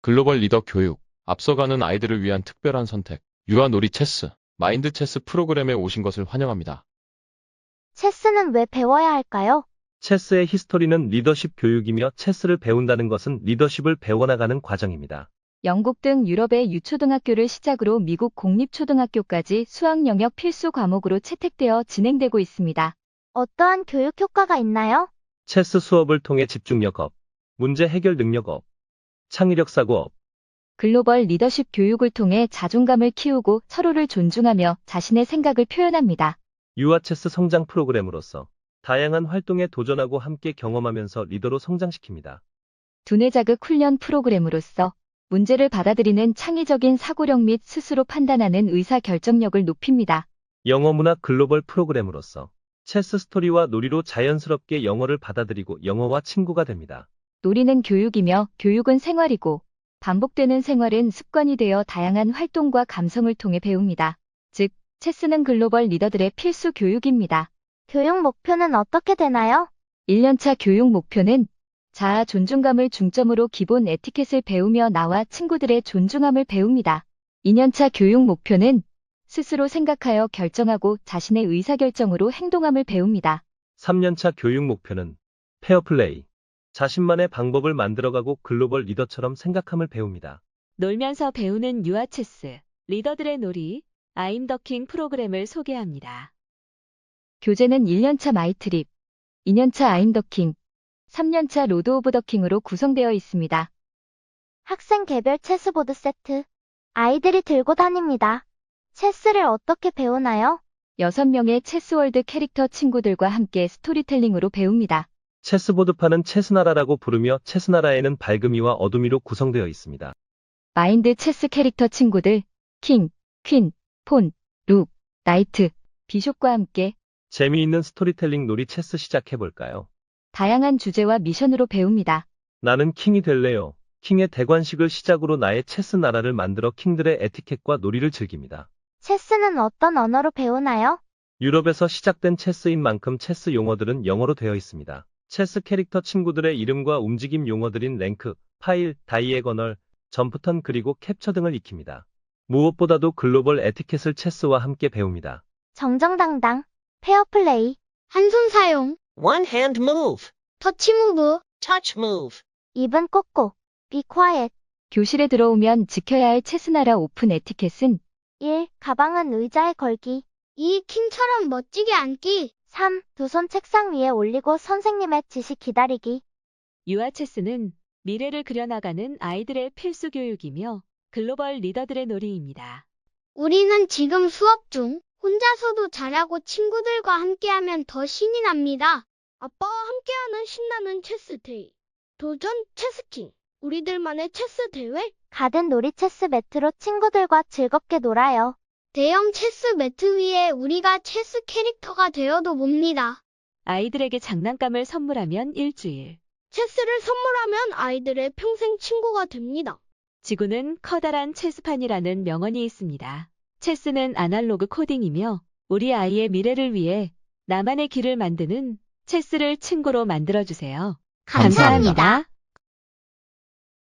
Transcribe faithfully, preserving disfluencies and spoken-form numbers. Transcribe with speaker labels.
Speaker 1: 글로벌 리더 교육, 앞서가는 아이들을 위한 특별한 선택, 유아 놀이 체스, 마인드 체스 프로그램에 오신 것을 환영합니다.
Speaker 2: 체스는 왜 배워야 할까요?
Speaker 3: 체스의 히스토리는 리더십 교육이며 체스를 배운다는 것은 리더십을 배워나가는 과정입니다.
Speaker 4: 영국 등 유럽의 유초등학교를 시작으로 미국 공립초등학교까지 수학 영역 필수 과목으로 채택되어 진행되고 있습니다.
Speaker 2: 어떠한 교육 효과가 있나요?
Speaker 3: 체스 수업을 통해 집중력 업, 문제 해결 능력 업, 창의력 사고 업,
Speaker 4: 글로벌 리더십 교육을 통해 자존감을 키우고 서로를 존중하며 자신의 생각을 표현합니다.
Speaker 3: 유아 체스 성장 프로그램으로서 다양한 활동에 도전하고 함께 경험하면서 리더로 성장시킵니다.
Speaker 4: 두뇌 자극 훈련 프로그램으로서 문제를 받아들이는 창의적인 사고력 및 스스로 판단하는 의사 결정력을 높입니다.
Speaker 3: 영어 문화 글로벌 프로그램으로서 체스 스토리와 놀이로 자연스럽게 영어를 받아들이고 영어와 친구가 됩니다.
Speaker 4: 놀이는 교육이며 교육은 생활이고 반복되는 생활은 습관이 되어 다양한 활동과 감성을 통해 배웁니다. 즉, 체스는 글로벌 리더들의 필수 교육입니다.
Speaker 2: 교육 목표는 어떻게 되나요?
Speaker 4: 일 년차 교육 목표는 자아 존중감을 중점으로 기본 에티켓을 배우며 나와 친구들의 존중함을 배웁니다. 이 년차 교육 목표는 스스로 생각하여 결정하고 자신의 의사결정으로 행동함을 배웁니다.
Speaker 3: 삼 년차 교육 목표는 페어플레이, 자신만의 방법을 만들어가고 글로벌 리더처럼 생각함을 배웁니다.
Speaker 5: 놀면서 배우는 유아 체스, 리더들의 놀이, 아임 더 킹 프로그램을 소개합니다.
Speaker 4: 교재는 일 년차 마이트립, 이 년차 아임 더 킹, 삼 년차 로드 오브 더 킹으로 구성되어 있습니다.
Speaker 2: 학생 개별 체스보드 세트. 아이들이 들고 다닙니다. 체스를 어떻게 배우나요?
Speaker 4: 여섯 명의 체스월드 캐릭터 친구들과 함께 스토리텔링으로 배웁니다.
Speaker 3: 체스보드판은 체스나라라고 부르며 체스나라에는 밝음이와 어둠이로 구성되어 있습니다.
Speaker 4: 마인드 체스 캐릭터 친구들, 킹, 퀸, 폰, 룩, 나이트, 비숍과 함께
Speaker 3: 재미있는 스토리텔링 놀이 체스 시작해볼까요?
Speaker 4: 다양한 주제와 미션으로 배웁니다.
Speaker 3: 나는 킹이 될래요. 킹의 대관식을 시작으로 나의 체스 나라를 만들어 킹들의 에티켓과 놀이를 즐깁니다.
Speaker 2: 체스는 어떤 언어로 배우나요?
Speaker 3: 유럽에서 시작된 체스인 만큼 체스 용어들은 영어로 되어 있습니다. 체스 캐릭터 친구들의 이름과 움직임 용어들인 랭크, 파일, 다이애거널, 점프턴 그리고 캡처 등을 익힙니다. 무엇보다도 글로벌 에티켓을 체스와 함께 배웁니다.
Speaker 2: 정정당당. 페어플레이. 한 손 사용.
Speaker 6: One hand move.
Speaker 2: 터치 무브.
Speaker 6: Touch move.
Speaker 2: 입은 꽂고. Be quiet.
Speaker 4: 교실에 들어오면 지켜야 할 체스나라 오픈 에티켓은
Speaker 2: 일. 가방은 의자에 걸기. 이. 킹처럼 멋지게 앉기. 삼. 두 손 책상 위에 올리고 선생님의 지시 기다리기.
Speaker 5: 유아 체스는 미래를 그려나가는 아이들의 필수 교육이며 글로벌 리더들의 놀이입니다.
Speaker 7: 우리는 지금 수업 중 혼자서도 잘하고 친구들과 함께하면 더 신이 납니다. 아빠와 함께하는 신나는 체스 데이. 도전 체스킹. 우리들만의 체스 대회.
Speaker 2: 가든 놀이 체스 매트로 친구들과 즐겁게 놀아요.
Speaker 7: 대형 체스 매트 위에 우리가 체스 캐릭터가 되어도 봅니다.
Speaker 5: 아이들에게 장난감을 선물하면 일주일.
Speaker 7: 체스를 선물하면 아이들의 평생 친구가 됩니다.
Speaker 5: 지구는 커다란 체스판이라는 명언이 있습니다. 체스는 아날로그 코딩이며 우리 아이의 미래를 위해 나만의 길을 만드는 체스를 친구로 만들어주세요.
Speaker 2: 감사합니다.
Speaker 5: 감사합니다.